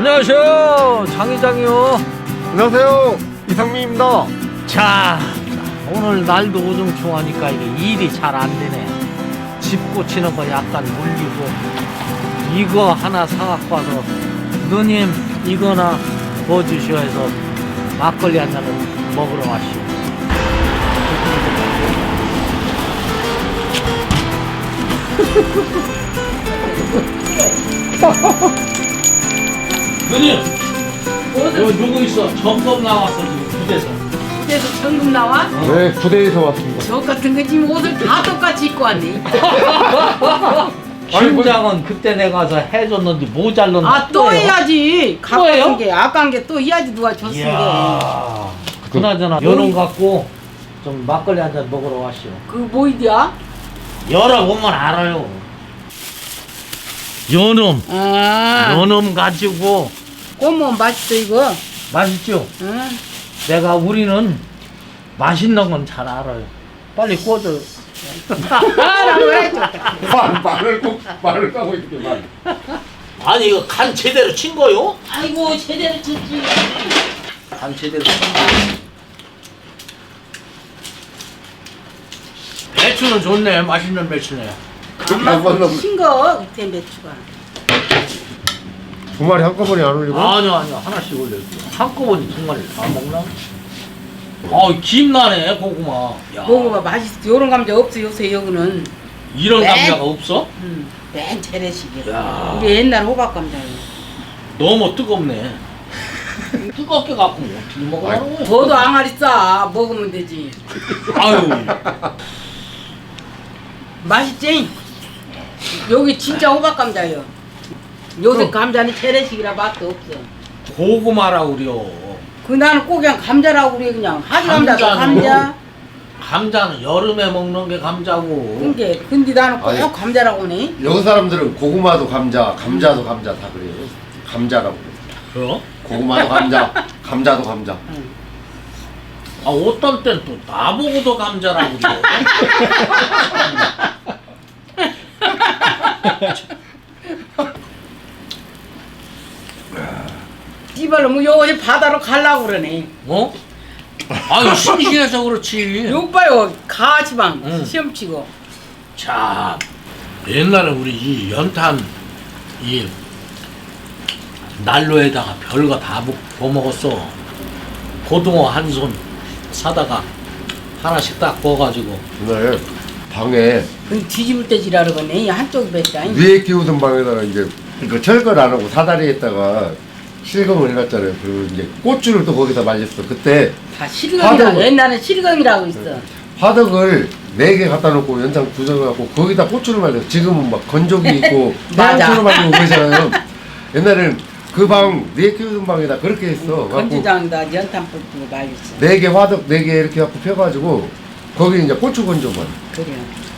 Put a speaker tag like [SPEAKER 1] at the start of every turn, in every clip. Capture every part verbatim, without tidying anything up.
[SPEAKER 1] 안녕하세요, 장회장이요.
[SPEAKER 2] 안녕하세요, 이상민입니다.
[SPEAKER 1] 자, 오늘 날도 우중충하니까 이게 일이 잘 안 되네. 집 고치는 거 약간 물리고 이거 하나 사갖고 와서 누님 이거나 뭐 주시오 해서 막걸리 한 잔을 먹으러 왔시오. 누님, 여기 누구 있어? 점검 나왔어 지금 부대에서.
[SPEAKER 3] 부대에서 전금 나와?
[SPEAKER 2] 네, 부대에서 왔습니다.
[SPEAKER 3] 저 같은 거 지금 옷을 다 똑같이 입고 왔네.
[SPEAKER 1] 팀장은 그때 내가 가서 해줬는데 모자랐는데
[SPEAKER 3] 아 또 해야지. 갖고
[SPEAKER 1] 또예요?
[SPEAKER 3] 온 게 아까운 게 또 해야지 누가 줬은 게.
[SPEAKER 1] 이야, 그나저나 연놈 갖고 좀 막걸리 한 잔 먹으러 왔시오.
[SPEAKER 3] 그 뭐이디야?
[SPEAKER 1] 열어보면 알아요. 연놈,
[SPEAKER 3] 아,
[SPEAKER 1] 연놈 가지고
[SPEAKER 3] 꼬면 맛있어 이거.
[SPEAKER 1] 맛있죠?
[SPEAKER 3] 응.
[SPEAKER 1] 내가 우리는 맛있는 건 잘 알아요. 빨리 꽂아요.
[SPEAKER 3] 라고 해줘.
[SPEAKER 2] 말, 말을 꼭, 말을 까고 있게 말.
[SPEAKER 1] 아니 이거 간 제대로 친 거요?
[SPEAKER 3] 아이고 제대로 쳤지.
[SPEAKER 1] 간 제대로 친 거. 배추는 좋네. 맛있는 배추네.
[SPEAKER 2] 그렇게 한 번은
[SPEAKER 3] 신거 그때 매추가.
[SPEAKER 2] 두 마리 한꺼번에 안 올리고?
[SPEAKER 1] 아니요 아니요 하나씩 올려요. 한꺼번에 정말 다 먹나? 아 김나네 고구마. 야,
[SPEAKER 3] 먹어봐 맛있어. 요런 감자 없어 요새 여기는.
[SPEAKER 1] 이런
[SPEAKER 3] 네.
[SPEAKER 1] 감자가 없어?
[SPEAKER 3] 응. 맨 재래식이야.
[SPEAKER 1] 야.
[SPEAKER 3] 우리 옛날 호박 감자예요.
[SPEAKER 1] 너무 뜨겁네. 뜨겁게 갖고 뭐 어떻게 먹으라는 거야?
[SPEAKER 3] 저도 앙알이 싸 먹으면 되지.
[SPEAKER 1] 아유.
[SPEAKER 3] 맛있지? 여기 진짜 호박 감자예요. 요새 감자는 재래식이라 맛도 없어.
[SPEAKER 1] 고구마라고 그래요.
[SPEAKER 3] 그 나는 꼭 그냥 감자라고 그래 그냥 하지 감자도
[SPEAKER 1] 감자는
[SPEAKER 3] 감자.
[SPEAKER 1] 감자는 여름에 먹는 게 감자고.
[SPEAKER 3] 근데 근데 나는 꼭
[SPEAKER 2] 아니.
[SPEAKER 3] 감자라고 하네.
[SPEAKER 2] 여기 사람들은 고구마도 감자, 감자도 감자 다 그래요. 감자라고.
[SPEAKER 1] 그래요?
[SPEAKER 2] 고구마도 감자, 감자도 감자.
[SPEAKER 1] 아 어떤 땐 또 나보고도 감자라고 그래.
[SPEAKER 3] 씨발로 뭐 여기 바다로 가려고 그러네.
[SPEAKER 1] 어? 아유 심심해서 그렇지.
[SPEAKER 3] 요 봐요 가지방
[SPEAKER 1] 응.
[SPEAKER 3] 시험 치고.
[SPEAKER 1] 자, 옛날에 우리 이 연탄 이 난로에다가 별거 다 부어 먹었어. 고등어 한 손 사다가 하나씩 딱 구워가지고.
[SPEAKER 2] 그날 방에
[SPEAKER 3] 그 뒤집을 때 지라 그러네. 한쪽이 뱉다.
[SPEAKER 2] 위에 끼우던 방에다가 이제 그 철거를 안 하고 사다리에다가 실검을 해놨잖아요. 그리고 이제 고추를 또 거기다 말렸어. 그때
[SPEAKER 3] 다 실검이라.
[SPEAKER 2] 화덕을-
[SPEAKER 3] 옛날에 실검이라고 있어.
[SPEAKER 2] 화덕을 네 개 갖다 놓고 연장 구정해갖고 거기다 고추를 말렸어. 지금은 막 건조기 있고
[SPEAKER 3] 맞아.
[SPEAKER 2] 고추를 말리고 그러잖아요. 옛날에는 그 방 네 끼우던 방에다 그렇게 했어.
[SPEAKER 3] 건조장에다 연탄 뿌리고 말렸어.
[SPEAKER 2] 네 개 화덕 네 개 이렇게 갖고 펴가지고 거기 이제 고추 건조만.
[SPEAKER 3] 그래.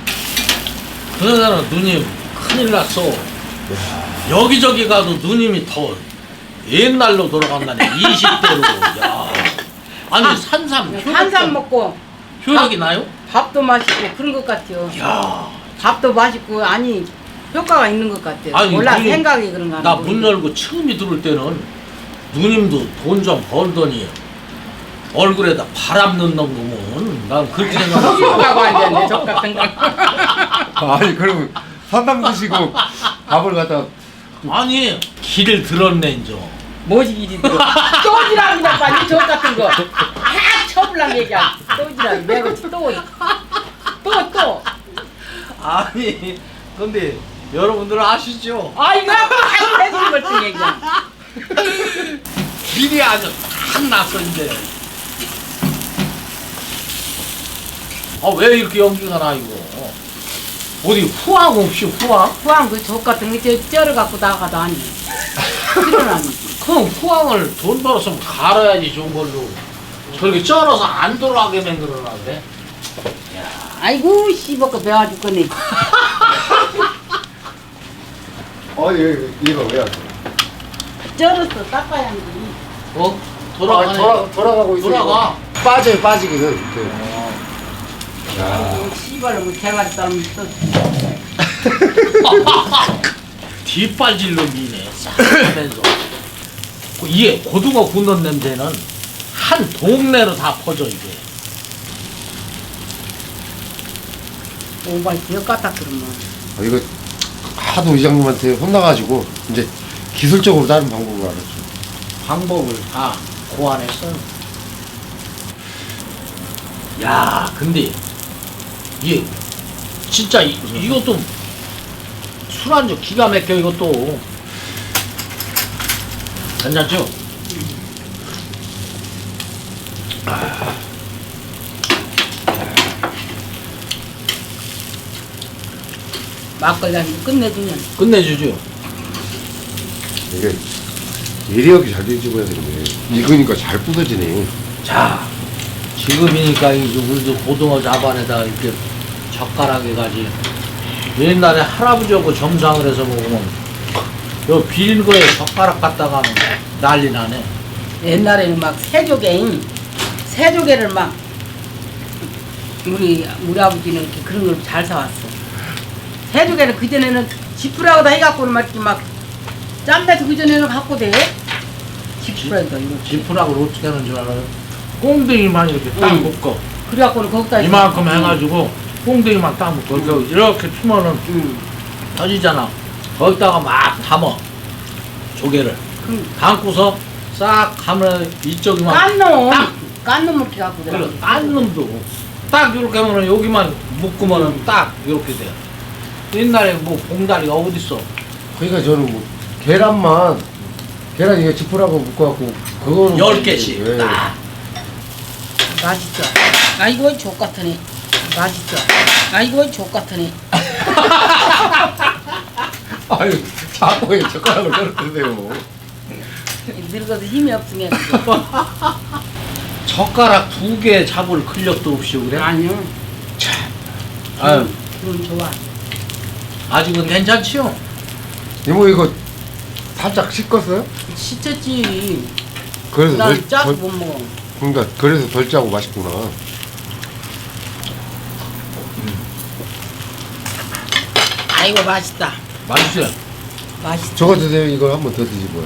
[SPEAKER 1] 그러잖아 누님 큰일 났어. 여기저기 가도 누님이 더 옛날로 돌아간다니. 이십 대로. 야. 아니 산삼 효력,
[SPEAKER 3] 한삼 먹고
[SPEAKER 1] 효력이 나요?
[SPEAKER 3] 밥도 맛있고 그런 것 같아요.
[SPEAKER 1] 야.
[SPEAKER 3] 밥도 맛있고 아니 효과가 있는 것 같아요.
[SPEAKER 1] 아니,
[SPEAKER 3] 몰라
[SPEAKER 1] 누님,
[SPEAKER 3] 생각이 그런가.
[SPEAKER 1] 나 문 열고 처음이 들어올 때는 누님도 돈 좀 벌더니 얼굴에다 바람 넣는 놈은 난 그렇게 생각했어.
[SPEAKER 3] 효과가 앉았네 저 같은 거.
[SPEAKER 2] 아니 그럼 산담 드시고 밥을 갖다
[SPEAKER 1] 아니 길을 들었네 인저.
[SPEAKER 3] 뭐지 이리 들어. 또지락이나 빨리 저 같은 거. 다 쳐불랑 얘기야. 또지락 매거지 또. 또 또.
[SPEAKER 1] 아니 근데 여러분들 아시죠?
[SPEAKER 3] 아 이거 다 해주는 것같은 얘기야.
[SPEAKER 1] 길이 아주 딱 났어 이제. 아 왜 이렇게 연기가 나 이거? 어디 후황 없이 후황?
[SPEAKER 3] 후한 그저 같은 게 쩔어 갖고 나가도 아니. 실은
[SPEAKER 1] 그럼 후황을 돈 벌었으면 갈아야지 좋은 걸로. 저렇게 쩔어서 안 돌아가게 만들어놨네.
[SPEAKER 3] 아이고 씨발거 배워 죽겠네.
[SPEAKER 2] 어 얘 얘가 왜 안 돼?
[SPEAKER 3] 쩔었어 닦아야 하지.
[SPEAKER 1] 어?
[SPEAKER 2] 아,
[SPEAKER 1] 돌아가네.
[SPEAKER 2] 돌아, 돌아가고 있어.
[SPEAKER 1] 돌아가.
[SPEAKER 2] 빠져요 빠지기는. 그.
[SPEAKER 3] 아이고 씨발로 뭐 대가리 싸움 있어.
[SPEAKER 1] 뒷발질 놈이네. 싹 하면서. 그 이게 고등어 굽는 냄새는 한 동네로 다 퍼져 이게.
[SPEAKER 3] 오바이 기억 같다 그러면.
[SPEAKER 2] 아, 이거 하도 이장님한테 혼나가지고 이제 기술적으로 다른 방법을 알았죠.
[SPEAKER 1] 방법을 다 고안했어요. 야, 근데 이게 진짜 이, 이것도 술안주 기가 막혀 이것도. 괜찮죠? 아.
[SPEAKER 3] 막걸리 한잔 끝내주면.
[SPEAKER 1] 끝내주죠.
[SPEAKER 2] 이게 예리하게 잘 뒤집어야 되네. 익으니까 잘 부서지네.
[SPEAKER 1] 자, 지금이니까 이제 우리도 고등어 자반에다 이렇게 젓가락 해가지. 옛날에 할아버지하고 점상을 해서 먹으면 요 비린 거에 젓가락 갖다가 하면 난리 나네.
[SPEAKER 3] 옛날에는 막 새조개, 새조개를 막 우리 우리 아버지는 이렇게 그런 걸 잘 사왔어. 새조개는 그 전에는 지푸라고 다 해갖고는 막 이렇게 막 짬배도 그 전에는 갖고 돼. 지푸라기다 이거.
[SPEAKER 1] 지푸락을 어떻게 하는 줄 알아요? 꽁댕이만 이렇게 딱
[SPEAKER 3] 응.
[SPEAKER 1] 묶어.
[SPEAKER 3] 그래갖고는 거기다
[SPEAKER 1] 이만큼
[SPEAKER 3] 이렇게-
[SPEAKER 1] 해가지고 꽁댕이만 딱 묶어. 이렇게 이렇게 피면은
[SPEAKER 3] 응.
[SPEAKER 1] 터지잖아. 거기다가 막 담어. 조개를.
[SPEAKER 3] 그
[SPEAKER 1] 담고서 싹 하면 이쪽이만
[SPEAKER 3] 깐 놈,
[SPEAKER 1] 딱!
[SPEAKER 3] 깐 놈 이렇게 갖고 돼.
[SPEAKER 1] 그래, 딴 놈도 딱 이렇게 하면은 여기만 묶으면은 딱 이렇게 돼. 옛날에 뭐 봉다리가 어딨어?
[SPEAKER 2] 그러니까 저는 뭐 계란만 계란 이게 지푸라고 묶어갖고 그거는
[SPEAKER 1] 열 개씩
[SPEAKER 2] 예.
[SPEAKER 1] 딱.
[SPEAKER 3] 맛있죠. 아이고 족 같으니. 맛있죠. 아이고 족 같으니.
[SPEAKER 2] 아유 자꾸 왜 젓가락을 떨어뜨리세요.
[SPEAKER 3] 늙어도 힘이 없으면.
[SPEAKER 1] 젓가락 두 개 잡을 근력도 없이 그래?
[SPEAKER 3] 아니요.
[SPEAKER 1] 아유,
[SPEAKER 3] 그건 좋아.
[SPEAKER 1] 아직은 괜찮지요?
[SPEAKER 2] 이모 이거 살짝 씻었어요?
[SPEAKER 3] 시쳤지.
[SPEAKER 2] 그래서
[SPEAKER 3] 난
[SPEAKER 2] 덜,
[SPEAKER 3] 짜서
[SPEAKER 2] 덜
[SPEAKER 3] 못 먹어.
[SPEAKER 2] 그러니까 그래서 덜 짜고 맛있구나.
[SPEAKER 3] 아이고 맛있다.
[SPEAKER 1] 맛있어요.
[SPEAKER 3] 맛있다.
[SPEAKER 2] 저거 드세요. 이거 한 번 더 드시고요.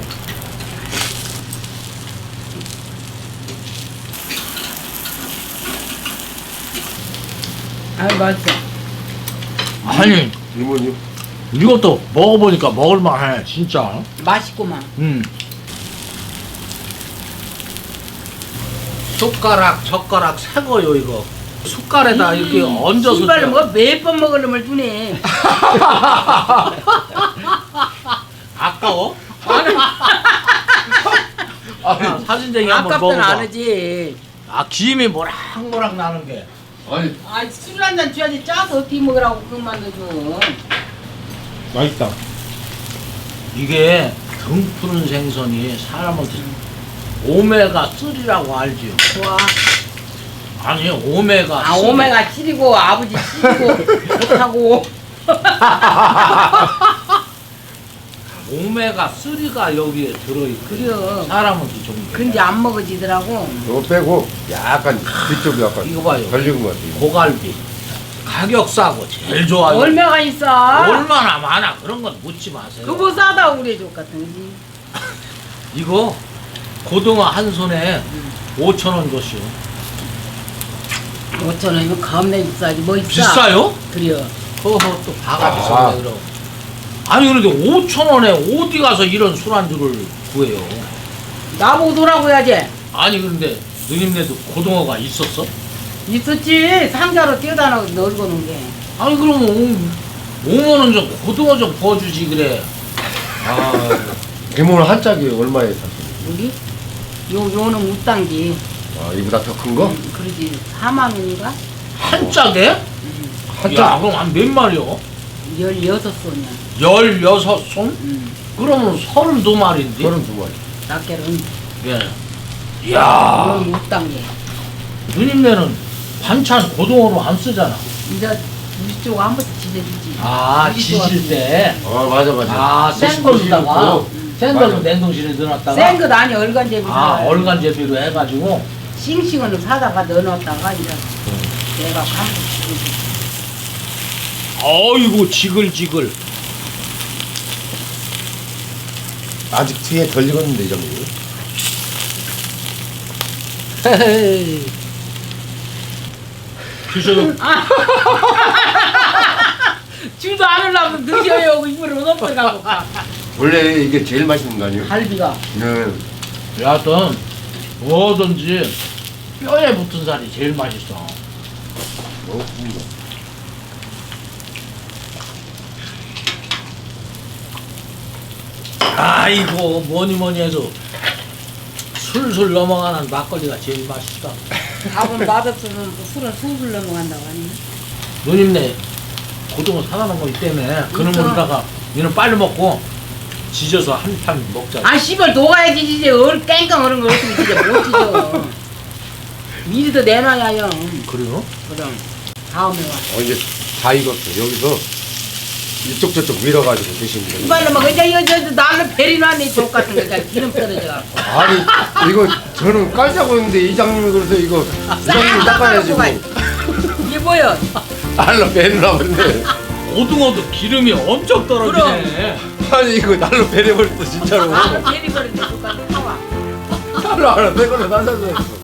[SPEAKER 3] 아이 맛있어.
[SPEAKER 1] 아니,
[SPEAKER 2] 이모님
[SPEAKER 1] 이것도 먹어보니까 먹을만해, 진짜.
[SPEAKER 3] 맛있구만.
[SPEAKER 1] 음. 숟가락, 젓가락 새거요 이거. 숟갈에다 이렇게 얹어서.
[SPEAKER 3] 씨발 뭐몇 번 먹으려면 주네.
[SPEAKER 1] 아까워? 아, 사진쟁이 한번
[SPEAKER 3] 아깝든
[SPEAKER 1] 먹어봐.
[SPEAKER 3] 안 하지.
[SPEAKER 1] 아, 김이 모락모락 나는 게.
[SPEAKER 2] 아니
[SPEAKER 3] 아 술 한 잔 줘야지 짜서 어떻게 먹으라고 그것만 넣어줘.
[SPEAKER 2] 맛있다.
[SPEAKER 1] 이게 등 푸른 생선이 사람한테 오메가 삼이라고 알지요?
[SPEAKER 3] 좋아.
[SPEAKER 1] 아니, 오메가
[SPEAKER 3] 아
[SPEAKER 1] 삼.
[SPEAKER 3] 오메가 칠이고 아버지 칠이고 못하고.
[SPEAKER 1] 오메가 삼가 여기에 들어있고
[SPEAKER 3] 그래요.
[SPEAKER 1] 사람한테 좋은 게.
[SPEAKER 3] 근데 안 먹어지더라고.
[SPEAKER 2] 이거 빼고 약간 뒤쪽이 약간
[SPEAKER 1] 이거 봐요.
[SPEAKER 2] 덜 익은 것 같아요.
[SPEAKER 1] 고갈비 가격 싸고 제일 좋아요.
[SPEAKER 3] 얼마가 있어?
[SPEAKER 1] 얼마나 많아. 그런 건 묻지 마세요.
[SPEAKER 3] 그거 싸다 우리 족 같은 거지.
[SPEAKER 1] 이거 고등어 한 손에 오천 원 줬어요.
[SPEAKER 3] 오천 원이면 겁내 비싸지 뭐 있어?
[SPEAKER 1] 비싸요?
[SPEAKER 3] 그래요.
[SPEAKER 1] 허허 또 바가
[SPEAKER 2] 아.
[SPEAKER 1] 비싸네 그럼. 아니 그런데 오천 원에 어디 가서 이런 술안주를 구해요?
[SPEAKER 3] 나보고 도라고 해야지.
[SPEAKER 1] 아니 그런데 누님네도 고등어가 있었어?
[SPEAKER 3] 있었지. 상자로 띄어다 넣고 놓은 게.
[SPEAKER 1] 아니 그러면 오만 원 좀 고등어 좀 구워주지 그래. 아,
[SPEAKER 2] 이모는 한 짝이 얼마에 샀어요?
[SPEAKER 3] 여기? 요, 요는 우땅기.
[SPEAKER 2] 아 이보다 더 큰 거?
[SPEAKER 3] 음, 그러지. 사만 원인가?
[SPEAKER 1] 한 짝에?
[SPEAKER 2] 한
[SPEAKER 1] 야
[SPEAKER 2] 짝?
[SPEAKER 1] 그럼 한 몇 마리요?
[SPEAKER 3] 열여섯 손이야.
[SPEAKER 1] 열여섯 손?
[SPEAKER 3] 음.
[SPEAKER 1] 그러면 서른두 마리인데?
[SPEAKER 2] 서른 두 마리.
[SPEAKER 3] 낱개는
[SPEAKER 1] 예. 이야,
[SPEAKER 3] 요는 우땅기.
[SPEAKER 1] 누님네는 반찬 고등어로 안 쓰잖아.
[SPEAKER 3] 이제 우리 쪽 한 번씩 지져주지.
[SPEAKER 1] 아,
[SPEAKER 3] 우리
[SPEAKER 1] 지질
[SPEAKER 3] 쪽은
[SPEAKER 1] 때.
[SPEAKER 2] 아 맞아 맞아.
[SPEAKER 1] 아, 생걸로다가.
[SPEAKER 2] 음.
[SPEAKER 1] 생걸로
[SPEAKER 2] 맞아.
[SPEAKER 1] 냉동실에 넣어놨다가.
[SPEAKER 3] 센 것 아니 얼간제비.
[SPEAKER 1] 아, 얼간제비로 해가지고.
[SPEAKER 3] 싱싱은 사다가 넣어놨다가 이제 내가 한 번씩 지져주지.
[SPEAKER 1] 어이구, 지글지글.
[SPEAKER 2] 아직 뒤에 덜 익었는데 이장님.
[SPEAKER 1] 헤이. 드셔도
[SPEAKER 3] 줄도 안 올라오면 늦어요. 입으로 넘어가고.
[SPEAKER 2] 원래 이게 제일 맛있는 거 아니에요?
[SPEAKER 3] 갈비가.
[SPEAKER 2] 네.
[SPEAKER 1] 여하튼 뭐든지 뼈에 붙은 살이 제일 맛있어.
[SPEAKER 2] 어,
[SPEAKER 1] 아이고 뭐니 뭐니 해도 술술 넘어가는 막걸리가 제일 맛있다.
[SPEAKER 3] 밥은 맛없으면 뭐 술은 술술 넘어간다고 하니.
[SPEAKER 1] 누님네 고등어 사가는 거 있다며. 그놈으로다가 얘는 빨리 먹고 지져서 한 판 먹자.
[SPEAKER 3] 아 씨발 녹아야지 이제 얼 깽깡 얼은 거 없으면 진짜 못 지져. 미리 더 내놔야요.
[SPEAKER 1] 그래요?
[SPEAKER 3] 그럼 다음에 와.
[SPEAKER 2] 어, 이제 다 익었어. 여기서 이쪽 저쪽 밀어가지고 드시면 돼요.
[SPEAKER 3] 이발로 막 이제 이거 저 나는 베리 놨네 족 같은 거 그냥 기름 떨어져 갖고.
[SPEAKER 2] 아니 이거 저는 깔자고 했는데 이장님이 그래서 이거 이장님이 닦아야지 뭐.
[SPEAKER 3] 이게 뭐야?
[SPEAKER 2] 날로 베리라 그러는데
[SPEAKER 1] 고등어도 기름이 엄청 떨어지네.
[SPEAKER 2] 아니 이거 날로 베려버렸어 진짜로.
[SPEAKER 3] 아 베리 버리는 족 같은 거.
[SPEAKER 2] 날로 하나 새 거를 날라서 했어.